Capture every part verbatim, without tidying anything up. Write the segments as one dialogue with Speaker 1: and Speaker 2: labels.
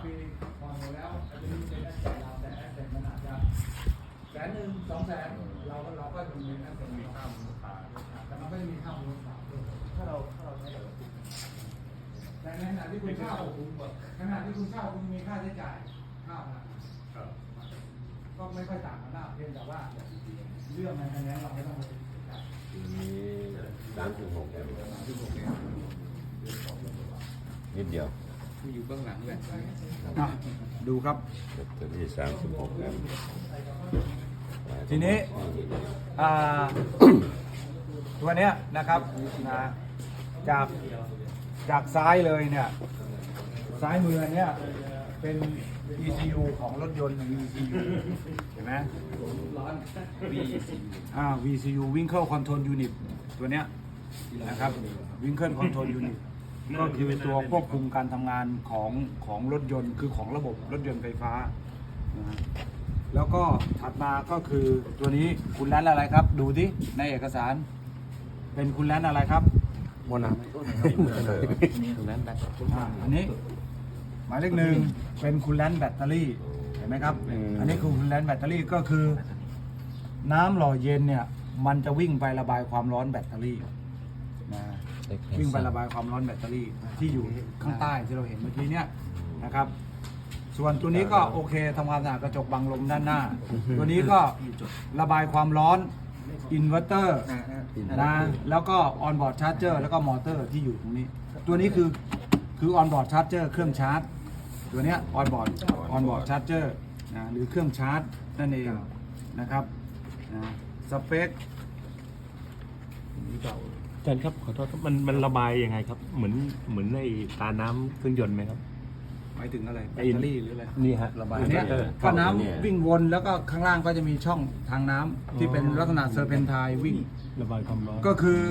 Speaker 1: ปีผ่อนหมดแล้วอาจจะมีเป็นแอสเซทเราแต่แอสเซทมันอาจจะแสนหนึ่งสองแสนเราก็เราก็จะมีแอสเซทมีค่ามูลค่าแต่มันก็จะมีค่ามูลค่าด้วยถ้าเราถ้าเราใช้แบบแต่ในขณะที่คุณเช่าขณะที่คุณเช่าคุณมีค่าใช้จ่ายค่าพลังงานก็ไม่ค่อยต่างกันมากเพียงแต่ว่าเรื่องในนั้นเราไม่ต้องไปติดใจ
Speaker 2: ทีนี้สามจุดหกแอมป์นิดเดียว
Speaker 3: อยู่เบื้องหลังเลย
Speaker 1: ดูครับ
Speaker 2: แบตเตอรี่สามสิบหกแอมป์
Speaker 1: ทีนี้ตัวเนี้ยนะครับนะจากจากซ้ายเลยเนี่ยซ้ายมือเนี่ยเป็น อี ซี ยู ของรถยนต์ วี ซี ยู เห็นไหม
Speaker 3: วี
Speaker 1: อ่า วี ซี ยู Vehicle Control Unit ตัวเนี้ยนะครับ Vehicle Control Unit ก็คือตัวควบคุมการทำงานของของรถยนต์คือของระบบรถยนต์ไฟฟ้านะฮะแล้วก็ถัดมาก็คือตัวนี้คุณแลนอะไรครับ ดูที่ในเอกสารเป็นคุณแลนอะไรครับ
Speaker 3: โมนา
Speaker 2: นั้นแบต
Speaker 1: อ่าอันนี้หมายเลขหนึ่งเป็นคุณแลนแบตเตอรี่เห็นไหมครับ อันนี้คือคุณแลนแบตเตอรี่ก็คือ น้ำหล่อเย็นเนี่ยมันจะวิ่งไประบายความร้อนแบตเตอรี่นะวิ่งไประบายความร้อนแบตเตอรี่ที่อยู่ข้างใต้ที่เราเห็นเมื่อกี้เนี่ยนะครับ ส่วนตัวนี้ก็โอเคทำความสะอาดกระจกบังลมด้านหน้า ตัวนี้ก็ระบายความร้อนอินเวอร์เตอร์นะแล้วก็ออนบอร์ดชาร์จเจอร์แล้วก็มอเตอร์ที่อยู่ตรงนี้ ตัวนี้คือคือออนบอร์ดชาร์จเจอร์เครื่องชาร์จตัวเนี้ยออนบอร์ดออนบอร์ดชาร์จเจอร์นะหรือเครื่องชาร์จนั่นเองนะครับนะสเปค
Speaker 4: อาจารย์ครับขอโทษครับมันมันระบายยังไงครับ เหมือนเหมือนในตาน้ำเครื่องยนต์ไหมครับ
Speaker 1: หมายถึงอะไรแบตเตอรี่หรืออะไร
Speaker 4: นี่ฮะระบาย
Speaker 1: ตัวเนี้ยก็น้ำวิ่งวนแล้วก็ข้างล่างก็จะมีช่องทางน้ำที่เป็นลักษณะเซอร์เพนไทน์วิ่ง
Speaker 4: ระบายความร้อน
Speaker 1: ก็คือ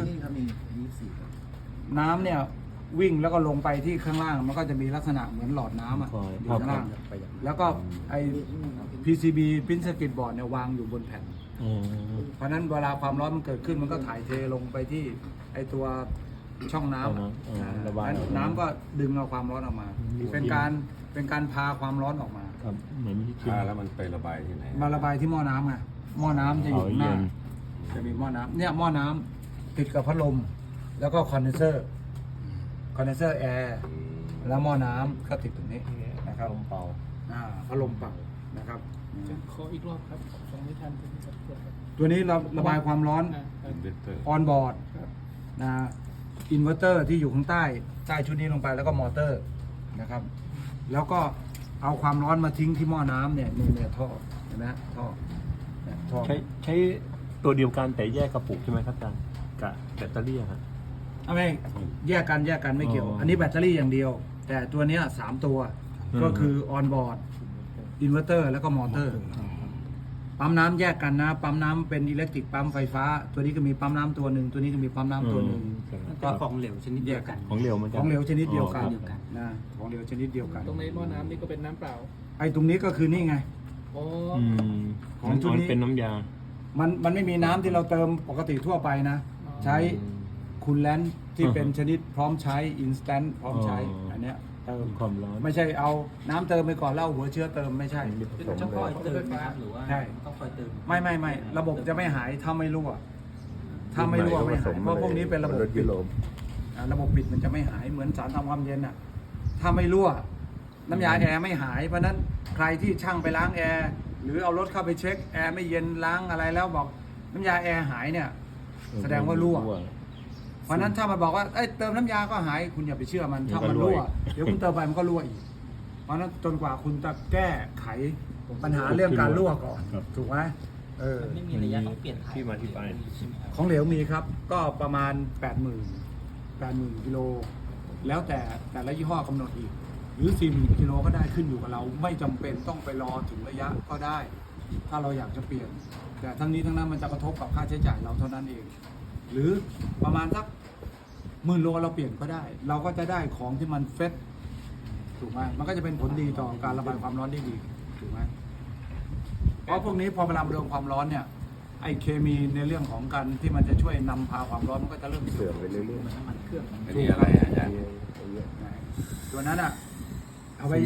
Speaker 1: น้ำเนี่ยวิ่งแล้วก็ลงไปที่ข้างล่างมันก็จะมีลักษณะเหมือนหลอดน้ำอ่ะอยู่ข้างล่างแล้วก็ไอ พี ซี บี Print Circuit Board เนี่ยวางอยู่บนแผ่น
Speaker 4: อืม
Speaker 1: เพราะฉะนั้นเวลาความร้อนมันเกิดขึ้นมันก็ถ่ายเทลงไปที่ไอตัวช่องน้ำอะ
Speaker 4: อืมระบาย
Speaker 1: นั้นน้ำก็ดึงเอาความร้อนออกมา เป็นการเป็นการพาความร้อนออกมา
Speaker 4: ครับเหมือนที่คิด
Speaker 2: อ่าแล้วมันไประบายที่ไหน
Speaker 1: มาระบายที่หม้อน้ำไงหม้อน้ำจะอยู่ข้างหน้า
Speaker 4: อ๋อเย็น
Speaker 1: จะมีหม้อน้ำเนี่ยหม้อน้ำติดกับพัดลมแล้วก็คอนเดนเซอร์คอนเดนเซอร์แอร์แล้วหม้อน้ำก็ติดตรงนี้นะครับ
Speaker 4: ลมเป่า
Speaker 1: อ่าพัดลมเป่านะครับ
Speaker 3: ขออีกรอบครับฟังไม่ทันผมขอโทษครับ
Speaker 1: ตัวนี้เราระบายความร้อน
Speaker 3: อ่าอ่า
Speaker 2: อินเวอร์เตอร์
Speaker 1: ออนบอร์ดนะอินเวอร์เตอร์ที่อยู่ข้างใต้ใต้ชุดนี้ลงไปแล้วก็มอเตอร์นะครับแล้วก็เอาความร้อนมาทิ้งที่หม้อน้ำเนี่ยนี่เนี่ยท่อเห็นไหมฮะท่อเนี่ยท่อ
Speaker 4: ใช้ใช้ตัวเดียวกันแต่แยกกระปุกใช่ไหมครับอาจารย์กับแบตเตอรี่อะครับ
Speaker 1: เอาไม่แยกกันแยกกันไม่เกี่ยว
Speaker 4: อ๋ออั
Speaker 1: อันนี้แบตเตอรี่อย่างเดียว แต่ตัวเนี้ยสามตัว
Speaker 4: อืม
Speaker 1: ก็คือออนบอร์ดอินเวอร์เตอร์แล้วก็มอเตอร์ปั๊มน้ำแยกกันนะปั๊มน้ำเป็นอิเล็กทริกปั๊มไฟฟ้า ตัวนี้ก็มีปั๊มน้ำตัวหนึ่งตัวนี้ก็มีปั๊มน้ำตัวหนึ่ง
Speaker 3: ก็ของเหลวชนิดเดียวกัน
Speaker 4: ของเหลวเหมือนกั
Speaker 1: ของเหลวชนิดเดียวกัน
Speaker 4: อ๋อ
Speaker 1: นะของเหลวชนิดเดียวกัน
Speaker 3: ตรงในหม้อน้ำนี่ก็เป็นน้ำเปล่า
Speaker 1: ไอ้ตรงนี้ก็คือนี่ไง
Speaker 3: อ๋อ
Speaker 4: อืม
Speaker 1: ของชุดนี้
Speaker 4: มันเป็นน้ำยา
Speaker 1: มันมันไม่มีน้ำที่เราเติมปกติทั่วไปนะ ใช้คูลแลนท์ที่เป็นชนิดพร้อมใช้อินสแตนต์พร้อมใช้
Speaker 4: อ๋ออั
Speaker 1: อันเนี้ยเติม
Speaker 4: ความร้อน
Speaker 1: ไม่ใช่เอาน้ำเติมไปก่อนแล้วเอาหัวเชื้อเติมไม่ใช่
Speaker 3: เป็นเฉพาะเติมนะครับหรือว่า
Speaker 1: ใช่
Speaker 3: ต้องคอยเติม
Speaker 1: ไม่ไม่ไม่ระบบจะไม่หายถ้าไม่รั่วถ้าไม่รั่วไม่หายเพราะพวกนี้เป็นระบบ
Speaker 2: รถ
Speaker 1: ปิ
Speaker 2: ยุ
Speaker 1: ด
Speaker 2: โรป
Speaker 1: อ่าระบบปิดมันจะไม่หายเหมือนสารทำความเย็นอ่ะถ้าไม่รั่วน้ำยาแอร์ไม่หายเพราะฉะนั้นใครที่ช่างไปล้างแอร์หรือเอารถเข้าไปเช็คแอร์ไม่เย็นล้างอะไรแล้วบอกน้ำยาแอร์หายเนี่ย แสดงว่ารั่ว เพราะฉะนั้นถ้ามันบอกว่าเอ้ยเติมน้ำยาก็หายคุณอย่าไปเชื่อมัน
Speaker 4: เดี๋ย
Speaker 1: ถ้าว
Speaker 4: ก็
Speaker 1: มัน
Speaker 4: รั่ว
Speaker 1: รั่วเดี๋ยวคุณเติมไปมันก็รั่วอีก เพราะฉะนั้นจนกว่าคุณจะแก้ไขปัญหาเรื่องการรั่วก่อน
Speaker 4: ครับ
Speaker 1: ถูกไหมเออ
Speaker 3: ไม่มีระยะต้องเปลี่ยนถ่าย
Speaker 4: ที่มาที่ไป
Speaker 1: ของเหลวมีครับ ก็ประมาณ แปดหมื่น แปดหมื่นกิโลแล้วแต่แต่ละยี่ห้อกำหนดอีก หรือ สี่หมื่นกิโลก็ได้ขึ้นอยู่กับเรา ไม่จำเป็นต้องไปรอถึงระยะก็ได้ ถ้าเราอยากจะเปลี่ยน แต่ทั้งนี้ทั้งนั้นมันจะกระทบกับค่าใช้จ่ายเราเท่านั้นเอง หรือประมาณสักหมื่นโลเราเปลี่ยนก็ได้ เราก็จะได้ของที่มันเฟสถูกไหมมันก็จะเป็นผลดีต่อการระบายความร้อนได้ดีถูกไหมเพราะพวกนี้พอเวลาโดนความร้อนเนี่ยไอเคมีในเรื่องของการที่มันจะช่วยนำพาความร้อนมันก็จะเริ่ม
Speaker 2: เสื่
Speaker 1: เสื่
Speaker 2: อ
Speaker 1: อ
Speaker 2: ม
Speaker 1: ม
Speaker 2: ไปเรื่อย
Speaker 3: น้ำมันเครื่อง
Speaker 2: ๆอันนี้อะไรอาจารย์
Speaker 1: ตัวนั้นอ่ะเอาไว้เอา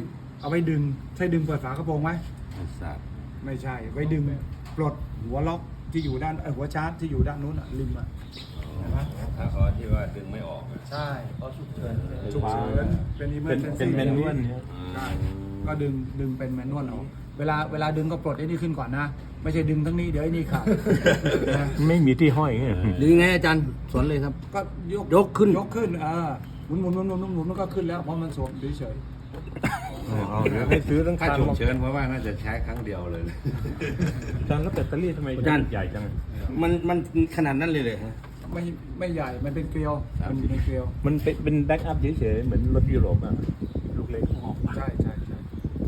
Speaker 1: เอาไว้ดึงใช่ดึงเปิดฝากระโปรงไหม
Speaker 2: ไม่ทราบ
Speaker 1: ไม่ใช่ไว้ดึงปลดหัวล็อกที่อยู่ด้านเอ่อหัวชาร์จที่อยู่ด้านนู้นอะริมอะเห็นไหม
Speaker 2: ถ้าเขาที่ว่าดึงไม่ออกอะ
Speaker 1: ใช่
Speaker 3: ขอฉุกเฉิน
Speaker 1: ฉุกเฉินเป็นอิมเมอ
Speaker 4: เป็น
Speaker 1: ร์เจน
Speaker 4: เป็น
Speaker 1: ซี่
Speaker 4: แมนนวลเนี่ย
Speaker 1: ใช่ก็ดึงดึงเป็นแมนนวลออกเวลาเวลาดึงก็ปลดไอ้นี่ขึ้นก่อนนะ ไม่ใช่ดึงทั้งนี้เดี๋ยวไอ้นี่ขาดนะ
Speaker 4: ไม่มีที่ห้อยไง
Speaker 5: หรือไงอาจารย์สอนเลยครับ
Speaker 1: ก็ยก
Speaker 5: ยกขึ้น
Speaker 1: ยกขึ้นเออหมุนหมุนหมุนหมุนหมุนหมุนมันก็ขึ้นแล้วเพราะมันสวมเฉย
Speaker 4: เอาเดี๋ยวให้ซื้อตั้ง
Speaker 2: ถ้า
Speaker 4: คัน
Speaker 2: ฉุกเฉินเพราะว่าน่าจะใช้ครั้งเดียวเลย
Speaker 4: อาจารย์แล้วแบตเตอรี่ทำไม
Speaker 5: อาจารย์
Speaker 4: ใหญ่จัง
Speaker 5: มันมันขนาดนั้นเลยเลยฮะ
Speaker 1: ๆไม่ไม่ใหญ่มันเป็นเกลียวมันอยู่ในเกลียว
Speaker 4: มันเป็นเป็นแบ็กอัพเฉยๆเหมือนรถยุโรปอะลูกเล็ก
Speaker 1: ใช่ใช่ใช่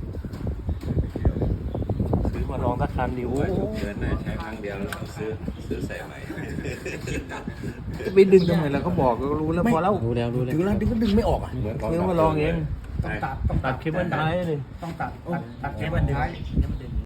Speaker 4: ซื้อมาลองสักคันดิโอ้
Speaker 2: ว่าฉุกเฉินน่าใช้ครั้งเดียวแล้วซื้อซื้อใส่ใหม่
Speaker 4: ไปดึงทำไมล่ะเขาบอกก็รู้แล้วพอแล้ว
Speaker 5: รู้แล้วรู้แล้วถึงแล้วดึงก็ดึงไม่ออกอ่ะ
Speaker 2: เหมือนของ
Speaker 4: ซื้อมาลองเอง
Speaker 1: ต้องตัดต้อง
Speaker 4: ตัดเคเบิลไทยเลย
Speaker 1: ต้องตัดตัดตัดเคเบิลท้าย